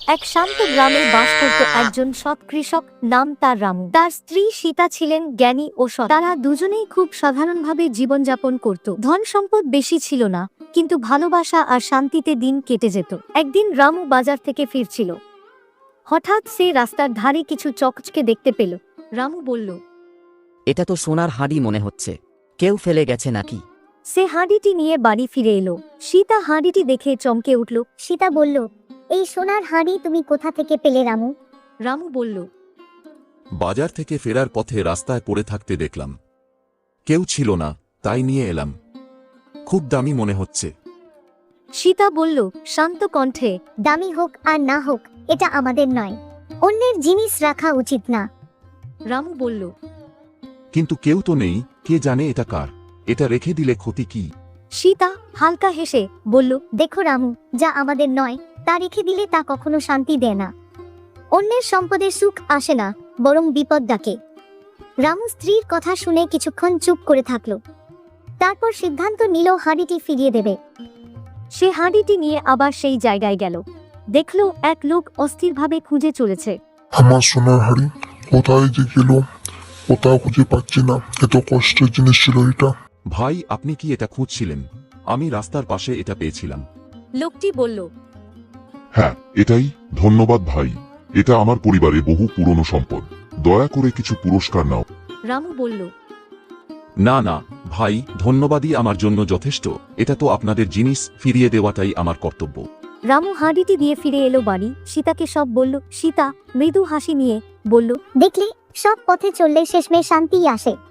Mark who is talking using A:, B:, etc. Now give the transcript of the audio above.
A: এক শান্ত গ্রামে বাস করত একজন সৎ কৃষক, নাম তার রামু। তার স্ত্রী সীতা ছিলেন জ্ঞানী ও সৎ। তারা দুজনেই খুব সাধারণভাবে জীবনযাপন করত। ধন সম্পদ বেশি ছিল না, কিন্তু ভালোবাসা আর শান্তিতে দিন কেটে যেত। একদিন রামু বাজার থেকে ফিরছিল। হঠাৎ সে রাস্তার ধারে কিছু চকচকে দেখতে পেল। রামু বলল,
B: এটা তো সোনার হাঁড়ি মনে হচ্ছে, কেউ ফেলে গেছে নাকি?
A: সে হাঁড়িটি নিয়ে বাড়ি ফিরে এলো। সীতা হাঁড়িটি দেখে চমকে উঠল।
C: সীতা বলল, এই সোনার হাঁড়ি তুমি কোথা থেকে পেলে রামু?
A: রামু বলল,
D: বাজার থেকে ফেরার পথে রাস্তায় পড়ে থাকতে দেখলাম। কেউ ছিল না, তাই নিয়ে এলাম। খুব দামি মনে হচ্ছে।
A: সীতা বলল শান্ত কণ্ঠে,
C: দামি হোক আর না হোক, এটা আমাদের নয়। অন্যের জিনিস রাখা উচিত না।
A: রামু বলল,
D: কিন্তু কেউ তো নেই, কে জানে এটা কার? এটা রেখে দিলে ক্ষতি কি?
A: সীতা হালকা হেসে বলল,
C: দেখো রামু, যা আমাদের নয় তা রেখে দিলে তা কখনো শান্তি দেয় না। অন্যের সম্পদে সুখ আসে না, বরং বিপদ ডাকে। রামু স্ত্রীর কথা শুনে কিছুক্ষণ চুপ করে থাকলো। তারপর সিদ্ধান্ত নিল হাঁড়িটি ফিরিয়ে দেবে।
A: সে হাঁড়িটি নিয়ে আবার সেই জায়গায় গেল। দেখল এক লোক অস্থিরভাবে খুঁজে চলেছে।
E: আমার সোনার হাড়ি কোথায় যে গেল, কোথাও খুঁজে পাচ্ছি না। এত কষ্টের জিনিস ছিল এটা।
D: ভাই, আপনি কি এটা খুঁজছিলেন? আমি রাস্তার পাশে এটা পেয়েছিলাম।
A: লোকটি বলল,
F: হ্যাঁ, এটাই। ধন্যবাদ ভাই, এটা আমার পরিবারে বহু পুরনো সম্পদ। দয়া করে কিছু পুরস্কার নাও।
A: রামু বলল,
D: না না ভাই, ধন্যবাদই আমার জন্য যথেষ্ট। এটা তো আপনাদের জিনিস, ফিরিয়ে দেওয়াটাই আমার কর্তব্য।
A: রামু হাঁড়িটি দিয়ে ফিরে এলো বাড়ি। সীতাকে সব বলল। সীতা মৃদু হাসি নিয়ে বলল,
C: দেখলে, সব পথে চললে শেষমেশ শান্তিই আসে।